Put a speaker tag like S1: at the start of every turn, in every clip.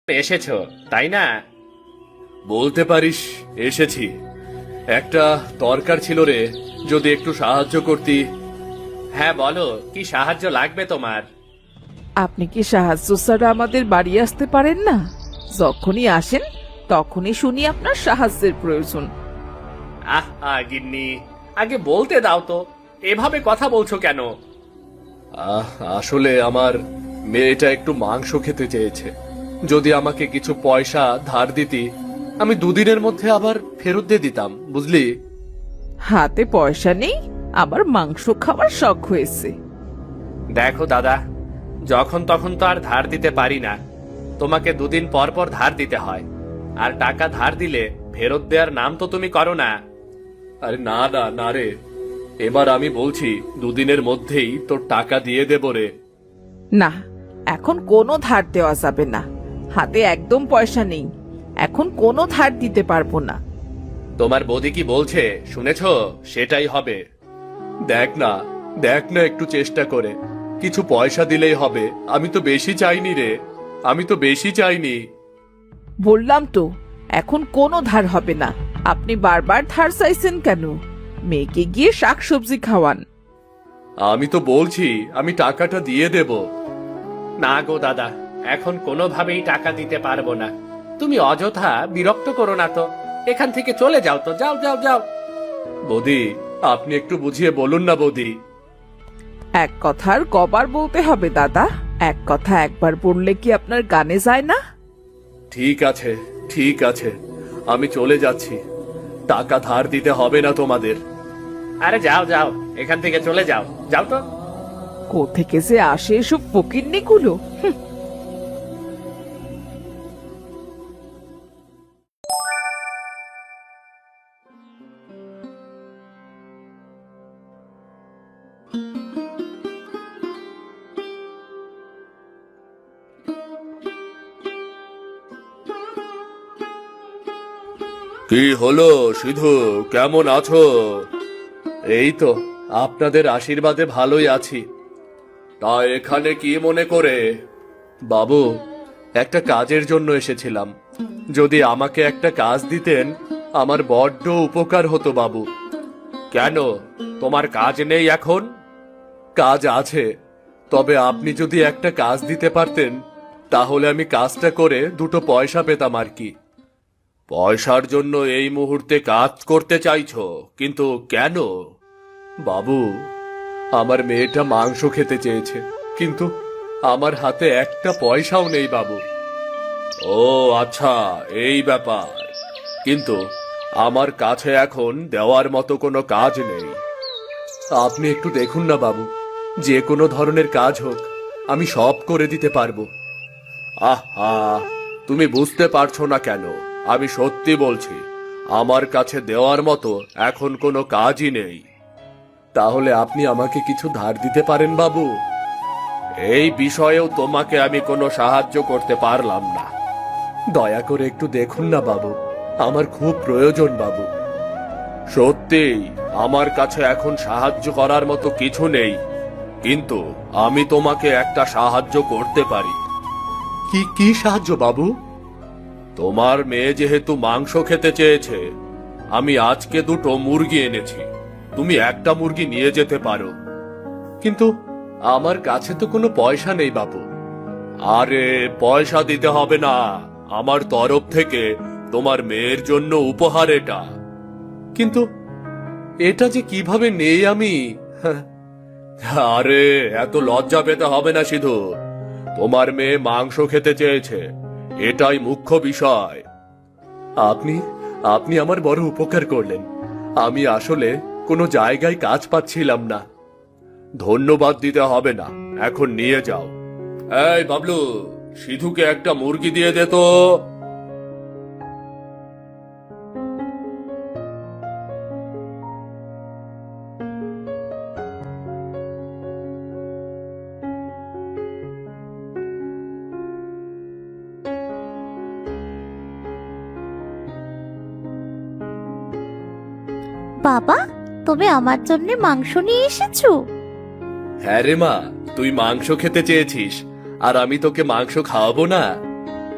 S1: এসেছো তাই না?
S2: বলতে পারিস এসেছি। একটা দরকার ছিল রে, যদি একটু সাহায্য করতি।
S1: হ্যাঁ বলো, কি সাহায্য লাগবে তোমার?
S3: আপনি কি সাহায্য ছাড়া আমাদের বাড়ি আসতে পারেন না? যখনই আসেন তখনই শুনি আপনার সাহায্যের প্রয়োজন।
S1: গিন্নি, আগে বলতে দাও তো, এভাবে কথা বলছো কেন?
S2: আসলে আমার মেয়েটা একটু মাংস খেতে চেয়েছে। যদি আমাকে কিছু পয়সা ধার দিতি, আমি দুদিনের মধ্যে আবার ফেরত দিয়ে দিতাম, বুঝলি?
S3: হাতে পয়সা নেই, আবার মাংস খাওয়ার শখ হয়েছে।
S1: দেখো দাদা, যখন তখন তো আর ধার দিতে পারি না। তোমাকে দুদিন পর পর ধার দিতে হয়, আর টাকা ধার দিলে ফেরত দেওয়ার নাম তো তুমি করো না।
S2: আরে না না না রে, এবার আমি বলছি দুদিনের মধ্যেই তোর টাকা দিয়ে দেব রে।
S3: না, এখন কোনো ধার দেওয়া যাবে না। হাতে একদম পয়সা নেই, এখন কোনো ধার দিতে পারবো না।
S1: তোমার বৌদি কি বলছে শুনেছো? সেটাই হবে।
S2: দেখ না, দেখ না একটু চেষ্টা করে, কিছু পয়সা দিলেই হবে। আমি তো বেশি চাইনি রে, আমি তো বেশি চাইনি।
S3: বললাম তো, এখন কোনো ধার হবে না। আপনি বারবার ধার চাইছেন কেন? মেয়েকে গিয়ে শাকসবজি খাওয়ান।
S2: আমি তো বলছি আমি টাকাটা দিয়ে দেব।
S1: না গো দাদা, এখন কোনোভাবেই টাকা দিতে পারবো না। তুমি অযথা বিরক্ত করো না তো, এখান থেকে চলে যাও তো, যাও যাও যাও।
S2: বৌদি, আপনি একটু বুঝিয়ে বলুন না বৌদি।
S3: এক কথা আর কবার বলতে হবে দাদা? এক কথা একবার বললে কি আপনার গানে যায় না?
S2: ঠিক আছে, ঠিক আছে, আমি চলে যাচ্ছি। টাকা ধার দিতে হবে না তোমাদের।
S1: আরে যাও যাও, এখান থেকে চলে যাও, যাও তো।
S3: কোত্থেকে যে আসে এসব ফকিন্নিগুলো!
S2: কি হলো সিধু, কেমন আছো? এই তো আপনাদের আশীর্বাদে ভালোই আছি। তা এখানে কি মনে করে? বাবু, একটা কাজের জন্য এসেছিলাম। যদি আমাকে একটা কাজ দিতেন আমার বড্ড উপকার হতো বাবু।
S1: কেন, তোমার কাজ নেই এখন?
S2: কাজ আছে, তবে আপনি যদি একটা কাজ দিতে পারতেন তাহলে আমি কাজটা করে দুটো পয়সা পেতাম আর কি।
S1: পয়সার জন্য এই মুহূর্তে কাজ করতে চাইছো, কিন্তু কেন?
S2: বাবু, আমার মেয়েটা মাংস খেতে চেয়েছে, কিন্তু আমার হাতে একটা পয়সাও নেই বাবু।
S1: ও আচ্ছা, এই ব্যাপার। কিন্তু আমার কাছে এখন দেওয়ার মতো কোনো কাজ নেই।
S2: আপনি একটু দেখুন না বাবু, যে কোনো ধরনের কাজ হোক আমি সব করে দিতে পারবো।
S1: আহা, তুমি বুঝতে পারছো না কেন? আমি সত্যি বলছি, আমার কাছে দেওয়ার মতো এখন কোনো কাজই নেই।
S2: তাহলে আপনি আমাকে কিছু ধার দিতে পারেন বাবু?
S1: এই বিষয়েও তোমাকে আমি কোনো সাহায্য করতে পারলাম না।
S2: দয়া করে একটু দেখুন না বাবু, আমার খুব প্রয়োজন বাবু।
S1: সত্যিই আমার কাছে এখন সাহায্য করার মতো কিছু নেই, কিন্তু আমি তোমাকে একটা সাহায্য করতে পারি।
S2: কি কি সাহায্য বাবু?
S1: তোমার মেয়ে যেহেতু মাংস খেতে চেয়েছে, আমি আজকে দুটো মুরগি এনেছি। তুমি একটা মুরগি নিয়ে যেতে পারো।
S2: কিন্তু আমার কাছে তো কোনো পয়সা নেই বাবু।
S1: আরে পয়সা দিতে হবে না, আমার তরফ থেকে তোমার মেয়ের জন্য উপহার এটা।
S2: কিন্তু এটা যে কিভাবে নেই আমি?
S1: আরে এত লজ্জা পেতে হবে না সিধু, তোমার মেয়ে মাংস খেতে চেয়েছে, এটাই মুখ্য বিষয়।
S2: আপনি আপনি আমার বড় উপকার করলেন। আমি আসলে কোনো জায়গায় কাজ পাচ্ছিলাম না।
S1: ধন্যবাদ দিতে হবে না, এখন নিয়ে যাও। এই বাবলু, সিধুকে একটা মুরগি দিয়ে দে তো।
S4: বাবা, তুমি আমার জন্য মাংস নিয়ে এসেছো?
S2: হ্যাঁ রে মা, তুই মাংস খেতে চেয়েছিস, আর আমি তোকে মাংস খাওয়াবো না?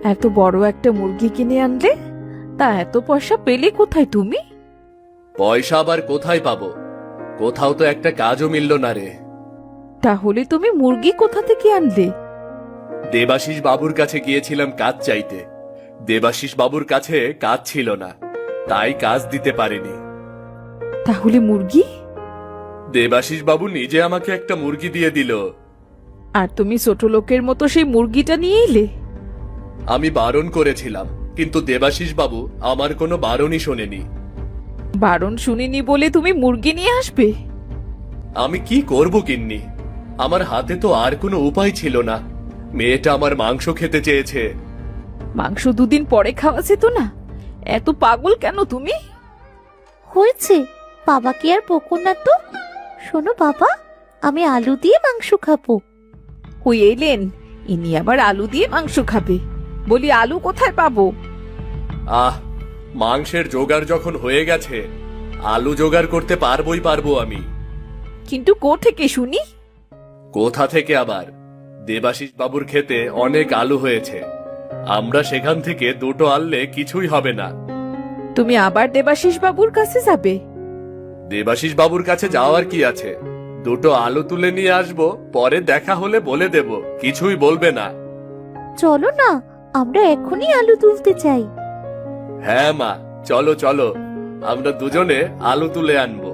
S3: এত বড় একটা মুরগি কিনে আনলে, তা এত পয়সা পেলে কোথায় তুমি?
S2: পয়সা আবার কোথায় পাবো? কোথাও তো একটা কাজও মিলল না রে।
S3: তাহলে তুমি মুরগি কোথা থেকে আনলে?
S2: দেবাশিস বাবুর কাছে গিয়েছিলাম কাজ চাইতে। দেবাশিস বাবুর কাছে কাজ ছিল না, তাই কাজ দিতে পারেনি।
S3: তাহলে মুরগি?
S2: দেবাশিস বাবু নিজে আমাকে একটা মুরগি দিয়ে দিল।
S3: আর তুমি ছোট লোকের মতো সেই মুরগিটা নিয়ে এলে?
S2: আমি বারণ করেছিলাম, কিন্তু দেবাশিস বাবু আমার কোনো বারণই শোনেনি।
S3: বারণ শুনিনি বলে তুমি মুরগি নিয়ে আসবে?
S2: আমি কি করব গিন্নি? আমার হাতে তো আর কোনো উপায় ছিল না। মেয়েটা আমার মাংস খেতে চেয়েছে।
S3: মাংস দুদিন পরে খাওয়া যেত না? এত পাগল কেন তুমি?
S4: হয়েছে, বাবাকে আর বকো না তো। শোনো বাবা, আমি আলু দিয়ে মাংস খাবো।
S3: ওই এলেন, ইনি আবার আলু দিয়ে মাংস খাবে। বলি আলু কোথায় পাবো?
S2: আহ, মাংসের জোগাড় যখন হয়ে গেছে, আলু জোগাড় করতে পারবো আমি।
S3: কিন্তু থেকে শুনি?
S2: কোথা থেকে আবার? দেবাশিস বাবুর ক্ষেতে অনেক আলু হয়েছে। আমরা সেখান থেকে দুটো আনলে কিছুই হবে না।
S3: তুমি আবার দেবাশিস বাবুর কাছে যাবে?
S2: দেবাশিস বাবুর কাছে যাওয়ার কি আছে? দুটো আলু তুলে নিয়ে আসবো, পরে দেখা হলে বলে দেব, কিছুই বলবে না।
S4: চলো না, আমরা এখনই আলু তুলতে চাই।
S2: হ্যাঁ মা, চলো চলো, আমরা দুজনে আলু তুলে আনবো।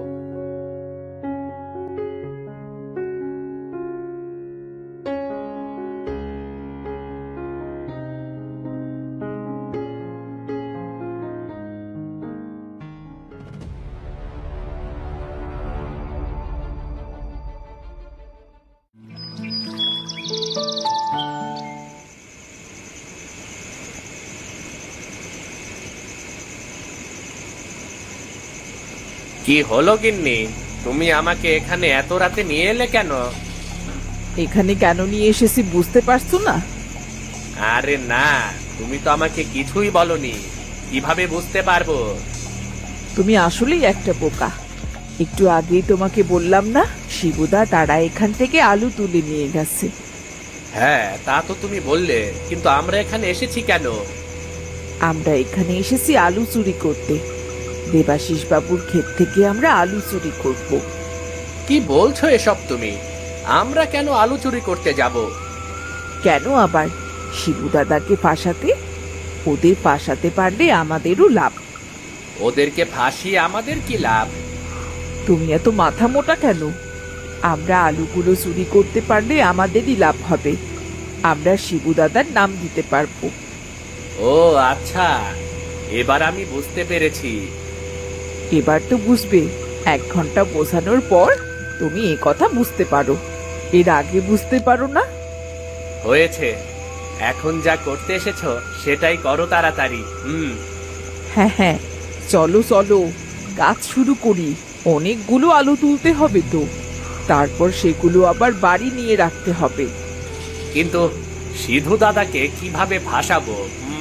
S1: কি হলো গিন্নি, তুমি আমাকে এখানে এত রাতে নিয়ে এলে কেন?
S3: এখানে কেন নিয়ে এসেছি বুঝতে পারছো না?
S1: আরে না, তুমি তো আমাকে কিছুই বলনি, কিভাবে বুঝতে পারবো?
S3: তুমি আসলেই একটা বোকা। একটু আগেই তোমাকে বললাম না, শিবুদা তারা এখান থেকে আলু তুলে নিয়ে গেছে।
S1: হ্যাঁ, তা তো তুমি বললে, কিন্তু আমরা এখানে এসেছি কেন?
S3: আমরা এখানে এসেছি আলু চুরি করতে। দেবাশিস বাবুর ক্ষেত থেকে আমরা আলু চুরি করব।
S1: কি বলছো এসব তুমি? আমরা কেন আলু চুরি করতে যাব?
S3: কেন আবার? শিবু দাদাকে ফাঁসাতে। ওদের ফাঁসাতে পারলে আমাদেরও লাভ।
S1: ওদেরকে ফাঁসিয়ে আমাদের কি লাভ?
S3: তুমি এত মাথা মোটা কেন? আমরা আলুগুলো চুরি করতে পারলে আমাদেরই লাভ হবে। আমরা শিবু দাদার নাম দিতে পারবো।
S1: ও আচ্ছা, এবার আমি বুঝতে পেরেছি।
S3: এবার তো বুঝবে। 1 ঘন্টা বোঝানোর পর তুমি এ কথা বুঝতে পারো, এর আগে বুঝতে পারো না।
S1: হয়েছে, এখন যা করতে এসেছো সেটাই করো তাড়াতাড়ি।
S3: হ্যাঁ হ্যাঁ, চলো চলো, কাজ শুরু করি। অনেকগুলো আলু তুলতে হবে তো, তারপর সেগুলো আবার বাড়ি নিয়ে রাখতে হবে।
S1: কিন্তু সিধু দাদাকে কিভাবে ফাঁসাবো?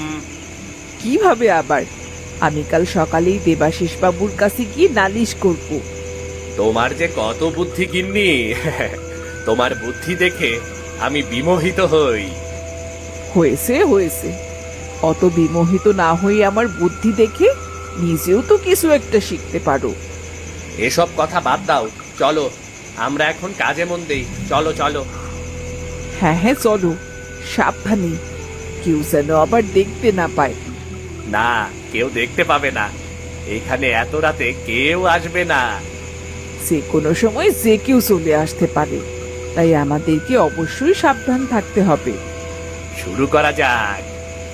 S3: কিভাবে আবার? আমি কাল সকালেই দেবাশিস বাবুর কাছে গিয়ে নালিশ করব।
S1: তোমার যে কত বুদ্ধি গিন্নি! তোমার বুদ্ধি দেখে আমি বিমোহিত হই।
S3: হয়েছে হয়েছে, অত বিমোহিত না হয়ে আমার বুদ্ধি দেখে নিজেও তো কিছু একটা শিখতে পারো।
S1: এসব কথা বাদ দাও, চলো আমরা এখন কাজে মন দেই। চলো চলো।
S3: হ্যাঁ হ্যাঁ চলো, সাবধানে, কেউ যেন আবার দেখতে না পায়।
S1: না, কেউ দেখতে পাবে না। এখানে এত রাতে কেউ আসবে না।
S3: যে কোনো সময় যে কেউ চলে আসতে পারে, তাই আমাদেরকে অবশ্যই সাবধান থাকতে হবে।
S1: শুরু করা যাক।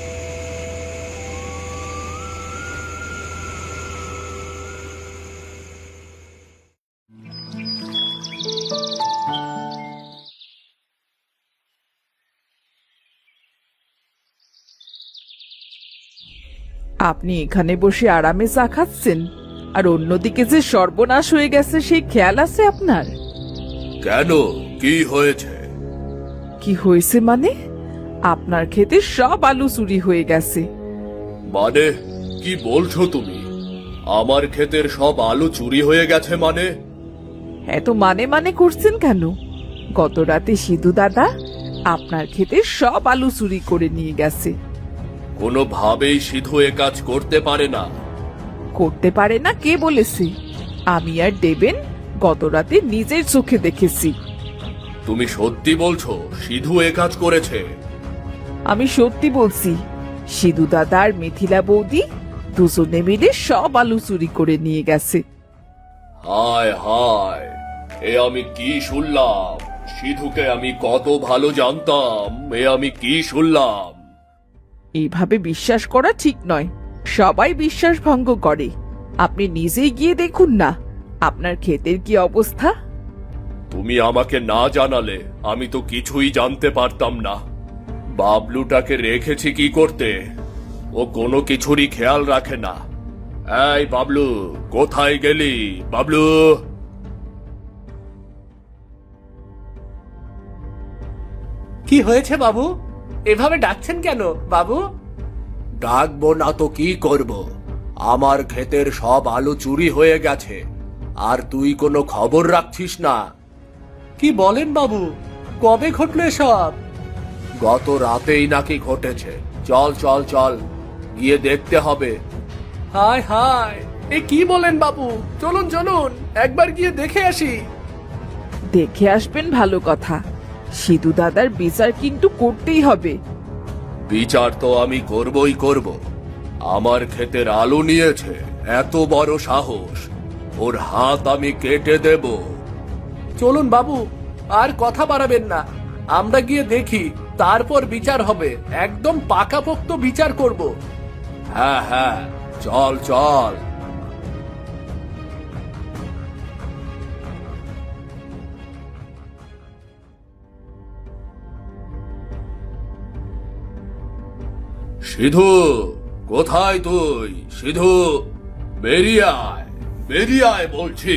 S3: আপনি এখানে বসে আরামে চা খাচ্ছেন, আর অন্যদিকে যে সর্বনাশ হয়ে গেছে সেই খেয়াল আছে আপনার?
S2: কেন, কি হয়েছে?
S3: কি হয়েছে মানে? আপনার ক্ষেতে সব আলু চুরি হয়ে গেছে।
S2: মানে কি বলছো তুমি? আমার ক্ষেতের সব আলু চুরি হয়ে গেছে মানে?
S3: এত মানে মানে করছেন কেন? গত রাতে সিধু দাদা আপনার ক্ষেতে সব আলু চুরি করে নিয়ে গেছে।
S2: কোনোভাবেই সিধু এ কাজ করতে পারে না।
S3: করতে পারে না কে বলেছে? আমি আর দেবেন গত রাতে নিজের চোখে দেখেছি।
S2: তুমি সত্যি বলছো সিধু এ কাজ করেছে?
S3: আমি সত্যি বলছি। সিধু দাদা আর মিথিলা বৌদি দুজনে মিলে সব আলু চুরি করে নিয়ে গেছে।
S2: হায় হায়, এ আমি কি শুনলাম? সিধুকে আমি কত ভালো জানতাম, এ আমি কি শুনলাম?
S3: এইভাবে বিশ্বাস করা ঠিক নয়। সবাই বিশ্বাস ভঙ্গ করে। আপনি নিজেই গিয়ে দেখুন না আপনার ক্ষেতের কি অবস্থা।
S2: তুমি আমাকে না জানালে আমি তো কিছুই জানতে পারতাম না। বাবলুটাকে রেখেছি কি করতে? ও কোনো কিছুরই খেয়াল রাখে না। এই বাবলু, কোথায় গেলি বাবলু?
S1: কি হয়েছে বাবু? এভাবে ডাকছেন কেন বাবু?
S2: ডাকবো না তো কি করব? আমার ক্ষেতের সব আলু চুরি হয়ে গেছে, আর তুই কোনো খবর রাখছিস না।
S1: কি বলেন বাবু? কবে ঘটলো এসব?
S2: গত রাতেই নাকি ঘটেছে। চল চল চল, গিয়ে দেখতে হবে।
S1: হায় হায়, এ কি বলেন বাবু? চলুন চলুন, একবার গিয়ে দেখে আসি।
S3: দেখে আসবেন ভালো কথা, সিধু দাদার বিচার কিন্তু করতেই হবে।
S2: বিচার তো আমি করবই করব। আমার ক্ষেতের আলু নিয়েছে, এত বড় সাহস! ওর হাত আমি কেটে দেব।
S1: চলুন বাবু, আর কথা বাড়াবেন না। আমরা গিয়ে দেখি, তারপর বিচার হবে। একদম পাকাপোক্ত বিচার করব।
S2: হ্যাঁ হ্যাঁ, চল চল। সিধু, কোথায় তুই? সিধু, বেরিয়ে আয়, বেরিয়ে আয় বলছি।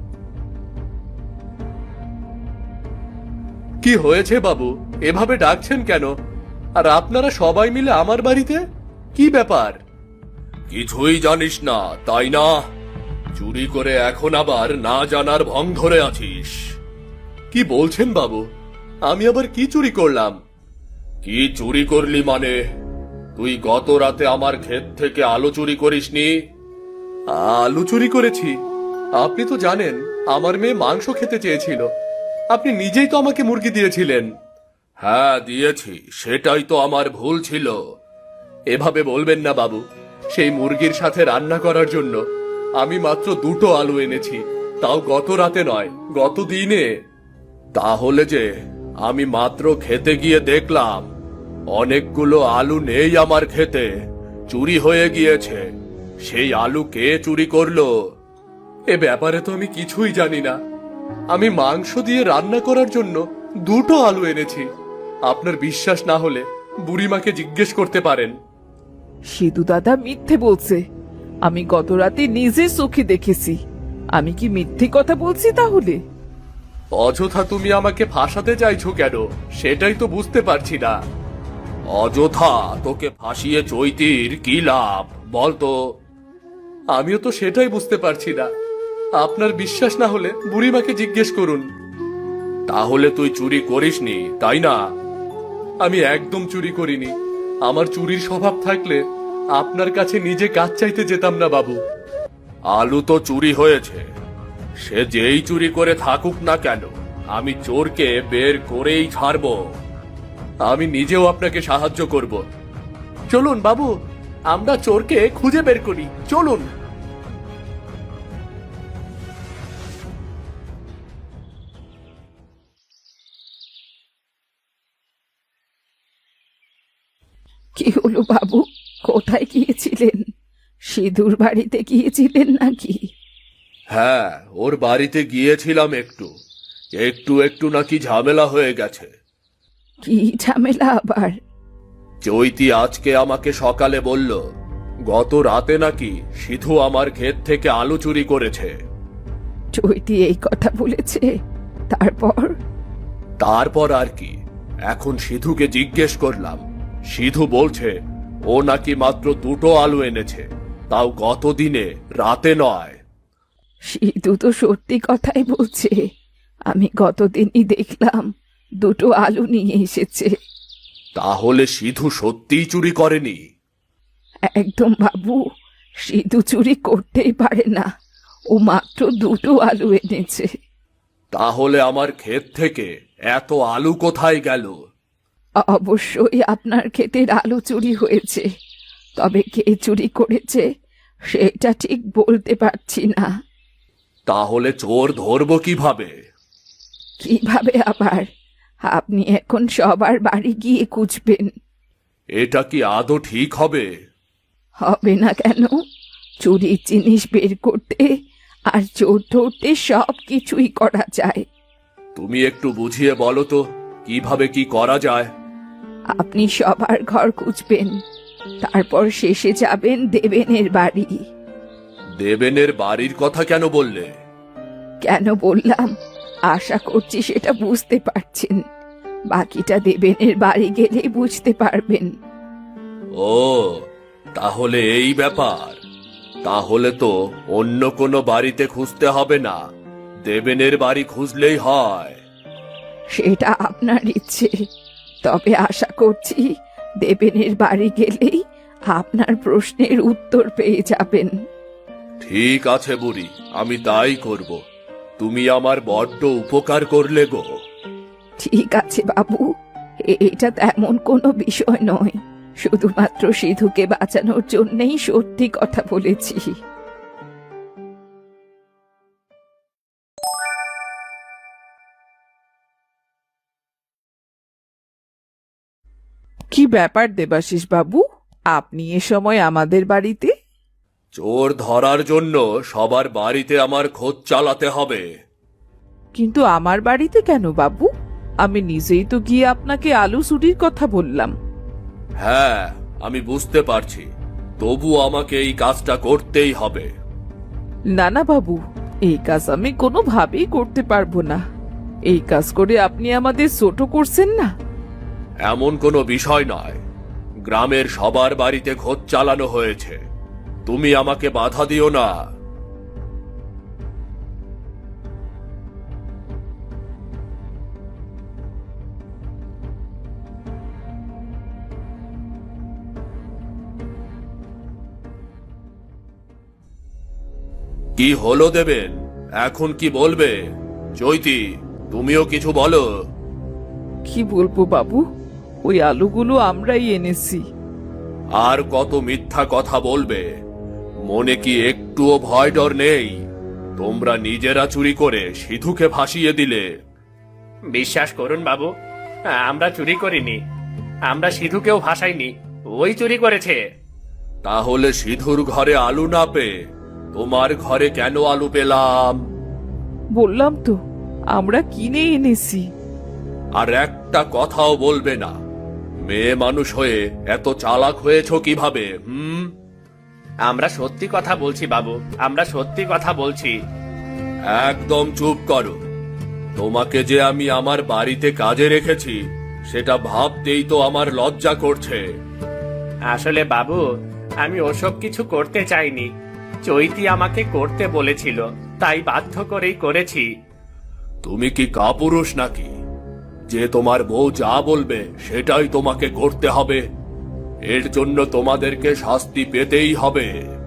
S1: কি হয়েছে বাবু? এভাবে ডাকছেন কেন? আর আপনারা সবাই মিলে আমার বাড়িতে? কি ব্যাপার?
S2: কিছুই জানিস না তাই না? চুরি করে এখন আবার না জানার ভং ধরে আছিস।
S1: কি বলছেন বাবু? আমি আবার কি চুরি করলাম?
S2: কি চুরি করলি মানে? তুই গত রাতে আমার ক্ষেত থেকে আলু চুরি করিসনি?
S1: আলু চুরি করেছি? আপনি তো জানেন আমার মেয়ে মাংস খেতে চেয়েছিল। আপনি নিজেই তো আমাকে মুরগি দিয়েছিলেন।
S2: হ্যাঁ দিয়েছি, সেটাই তো আমার ভুল ছিল।
S1: এভাবে বলবেন না বাবু। সেই মুরগির সাথে রান্না করার জন্য আমি মাত্র 2টো আলু এনেছি, তাও গত রাতে নয়, গত দিনে।
S2: তাহলে যে আমি মাত্র খেতে গিয়ে দেখলাম অনেকগুলো আলু নেই আমার খেতে, চুরি হয়ে গিয়েছে। সেই আলু কে চুরি করলো?
S1: এ ব্যাপারে তো আমি কিছুই জানি না। আমি মাংস দিয়ে রান্না করার জন্য 2টো আলু এনেছি। আপনার বিশ্বাস না হলে বুড়িমাকে জিজ্ঞেস করতে পারেন।
S3: সিধু দাদা মিথ্যে বলছে। আমি গত রাতে নিজে চোখে দেখেছি। আমি কি মিথ্যে কথা বলছি তাহলে?
S1: অযথা তুমি আমাকে ফাঁসাতে চাইছো কেন, সেটাই তো বুঝতে পারছি না।
S2: অযথা তোকে ফাঁসিয়ে চৈতির কি লাভ বলতো?
S1: আমিও তো সেটাই বুঝতে পারছি না। আপনার বিশ্বাস না হলে বুড়িমাকে জিজ্ঞেস করুন।
S2: তাহলে তুই চুরি করিসনি তাই না?
S1: আমি একদম চুরি করিনি। আমার চুরির স্বভাব থাকলে আপনার কাছে নিজে কাজ চাইতে যেতাম না বাবু।
S2: আলু তো চুরি হয়েছে, সে যেই চুরি করে থাকুক না কেন, আমি চোরকে বের করেই ছাড়বো।
S1: আমি নিজেও আপনাকে সাহায্য করব। চলুন বাবু, আমরা চোরকে খুঁজে বের করি। চলুন।
S3: কি হলো বাবু, কোথায় গিয়েছিলেন? সিধুর বাড়িতে গিয়েছিলেন নাকি?
S2: হ্যাঁ, ওর বাড়িতে গিয়েছিলাম। একটু একটু একটু নাকি ঝামেলা হয়ে গেছে।
S3: কি ঝামেলা আবার?
S2: চৈতি আজকে আমাকে সকালে বলল গত রাতে নাকি সিধু আমার ক্ষেত থেকে আলু চুরি করেছে।
S3: চৈতি এই কথা বলেছে? তারপর?
S2: তারপর আর কি, এখন সিধুকে জিজ্ঞেস করলাম। সিধু বলছে ও নাকি মাত্র 2টো আলু এনেছে, তাও গত দিনে, রাতে নয়।
S3: সিধু তো সত্যি কথাই বলছে। আমি গতদিনই দেখলাম 2টো আলু নিয়ে এসেছে।
S2: তাহলে সিধু সত্যিই চুরি করেনি?
S3: একদম বাবু, সিধু চুরি করতেই পারে না। ও মাত্র দুটো আলু এনেছে।
S2: তাহলে আমার ক্ষেত থেকে এত আলু কোথায় গেল?
S3: অবশ্যই আপনার ক্ষেতের আলু চুরি হয়েছে, তবে কে চুরি করেছে সেটা ঠিক বলতে পারছি না।
S2: তাহলে চোর ধরবো কিভাবে?
S3: কিভাবে আবার? আপনি এখন সবার বাড়ি গিয়ে খুঁজবেন।
S2: এটা কি আদৌ ঠিক হবে?
S3: হবে না কেন? চুরির জিনিস বের করতে আর চোর ধরতে সব কিছুই করা যায়।
S2: তুমি একটু বুঝিয়ে বলো তো কিভাবে কি করা যায়।
S3: আপনি সবার ঘর খুঁজবেন, তারপর শেষে যাবেন দেবেনের বাড়ি।
S2: দেবেনের বাড়ির কথা কেন বললে?
S3: কেন বললাম আশা করছি সেটা বুঝতে পারছেন। বাকিটা দেবেনের বাড়ি গেলেই বুঝতে পারবেন।
S2: ও, তাহলে এই ব্যাপার। তাহলে তো অন্য কোনো বাড়িতে খুঁজতে হবে না, দেবেনের বাড়ি খুঁজলেই হয়।
S3: সেটা আপনার ইচ্ছে, তবে আশা করছি দেবেনের বাড়ি গেলেই আপনার প্রশ্নের উত্তর পেয়ে যাবেন।
S2: ঠিক আছে বুড়ি, আমি তাই করব। তুমি আমার বড্ড উপকার করলে গো।
S3: ঠিক আছে বাবু, এটা তেমন কোনো বিষয় নয়, শুধুমাত্র সিধুকে বাঁচানোর জন্যই সত্যি কথা বলেছি। কি ব্যাপার দেবাশিস বাবু, আপনি এ সময় আমাদের বাড়িতে?
S2: চোর ধরার জন্য সবার বাড়িতে আমার খোঁজ চালাতে হবে।
S3: কিন্তু আমার বাড়িতে কেন বাবু? আমি নিজেই তো গিয়ে আপনাকে আলু চুরির কথা বললাম।
S2: হ্যাঁ, আমি বুঝতে পারছি, তবু আমাকে এই কাজটা করতেই হবে।
S3: না না বাবু, এই কাজ আমি কোনোভাবেই করতে পারবো না। এই কাজ করে আপনি আমাদের ছোট করছেন না।
S2: এমন কোনো বিষয় নয়, গ্রামের সবার বাড়িতে খোঁজ চালানো হয়েছে, তুমি আমাকে বাধা দিও না। কি হলো দেবেন, এখন কি বলবে? চৈতি, তুমিও কিছু বলো।
S3: কি বলবো বাবু, ওই আলুগুলো আমরাই এনেছি।
S2: আর কত মিথ্যা কথা বলবে? মনে কি একটুও ভয় ডর নেই? তোমরা নিজেরা চুরি করে সিধুকে ভাসিয়ে দিলে।
S1: বিশ্বাস করুন বাবু, আমরা চুরি করিনি। আমরা সিধুকেও ভাসাইনি, ওই চুরি করেছে।
S2: তাহলে সিধুর ঘরে আলু না পেয়ে তোমার ঘরে কেন আলু পেলাম?
S3: বললাম তো, আমরা কিনে এনেছি।
S2: আর একটা কথাও বলবে না। মেয়ে মানুষ হয়ে এত চালাক হয়েছো কিভাবে?
S1: আমরা সত্যি কথা বলছি বাবু, আমরা সত্যি কথা বলছি।
S2: একদম চুপ করো। তোমাকে যে আমি আমার বাড়িতে কাজে রেখেছি সেটা ভাবতেই তো আমার লজ্জা করছে।
S1: আসলে বাবু, আমি ওসব কিছু করতে চাইনি। চৈতি আমাকে করতে বলেছিল, তাই বাধ্য করেই করেছি।
S2: তুমি কি কাপুরুষ নাকি যে তোমার বউ যা বলবে সেটাই তোমাকে করতে হবে? এর জন্য তোমাদেরকে শাস্তি পেতেই হবে।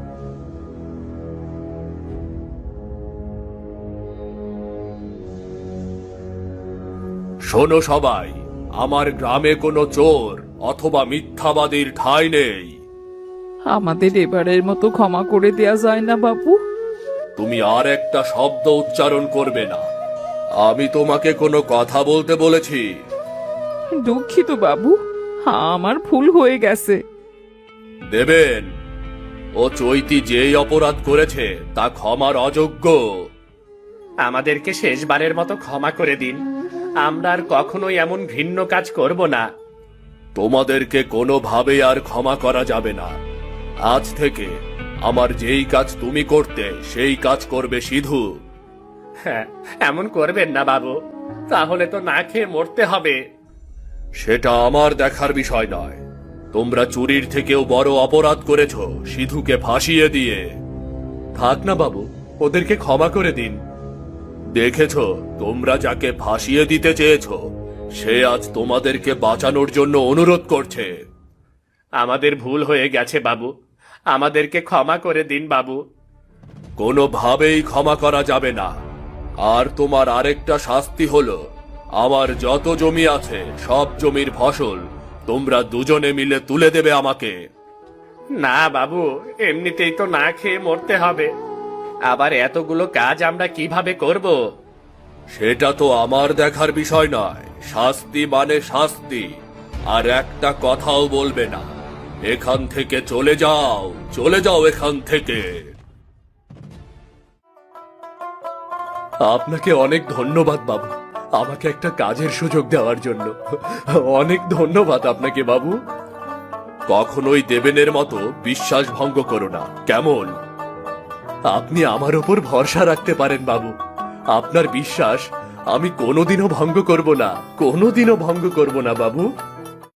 S2: শোনো সবাই, আমার গ্রামে কোনো চোর অথবা মিথ্যাবাদীর ঠাঁই নেই।
S3: আমাদের এবারের মতো ক্ষমা করে দেয়া যায় না বাবু?
S2: তুমি আর একটা শব্দ উচ্চারণ করবে না। আমি তোমাকে কোনো কথা বলতে বলেছি?
S3: দুঃখিত বাবু, আমার ভুল হয়ে গেছে।
S2: দেবেন, ও চৈতি যেই অপরাধ করেছে তা ক্ষমার অযোগ্য।
S1: আমাদেরকে শেষবারের মতো ক্ষমা করে দিন। আমরা আর কখনোই এমন ঘৃণ্য কাজ করব না।
S2: তোমাদেরকে কোনোভাবেই আর ক্ষমা করা যাবে না। আজ থেকে আমার যেই কাজ তুমি করতে সেই কাজ করবে সিধু।
S1: হ্যাঁ, এমন করবেন না বাবু, তাহলে তো না খেয়ে মরতে হবে।
S2: সেটা আমার দেখার বিষয় নয়। তোমরা চুরির থেকেও বড় অপরাধ করেছো সিধুকে ফাঁসিয়ে দিয়ে।
S1: থাক না বাবু, ওদেরকে ক্ষমা করে দিন।
S2: দেখেছো, তোমরা যাকে ফাঁসিয়ে দিতে চেয়েছো সে আজ তোমাদেরকে বাঁচানোর জন্য অনুরোধ করছে।
S1: আমাদের ভুল হয়ে গেছে বাবু, আমাদেরকে ক্ষমা করে দিন বাবু।
S2: কোনোভাবেই ক্ষমা করা যাবে না। আর তোমার আরেকটা শাস্তি হলো, আমার যত জমি আছে সব জমির ফসল তোমরা দুজনে মিলে তুলে দেবে আমাকে।
S1: না বাবু, এমনিতেই তো না খেয়ে মরতে হবে, আবার এতগুলো কাজ আমরা কিভাবে করব?
S2: সেটা তো আমার দেখার বিষয় নয়। শাস্তি মানে শাস্তি। আর একটা কথাও বলবে না। এখান থেকে চলে যাও, চলে যাও এখান থেকে।
S1: আপনাকে অনেক ধন্যবাদ বাবু, আমাকে একটা কাজের সুযোগ দেওয়ার জন্য। অনেক ধন্যবাদ আপনাকে বাবু।
S2: কখনোই দেবেনের মতো বিশ্বাস ভঙ্গ করো না, কেমন?
S1: আপনি আমার ওপর ভরসা রাখতে পারেন বাবু। আপনার বিশ্বাস আমি কোনোদিনও ভঙ্গ করব না, কোনোদিনও ভঙ্গ করব না বাবু।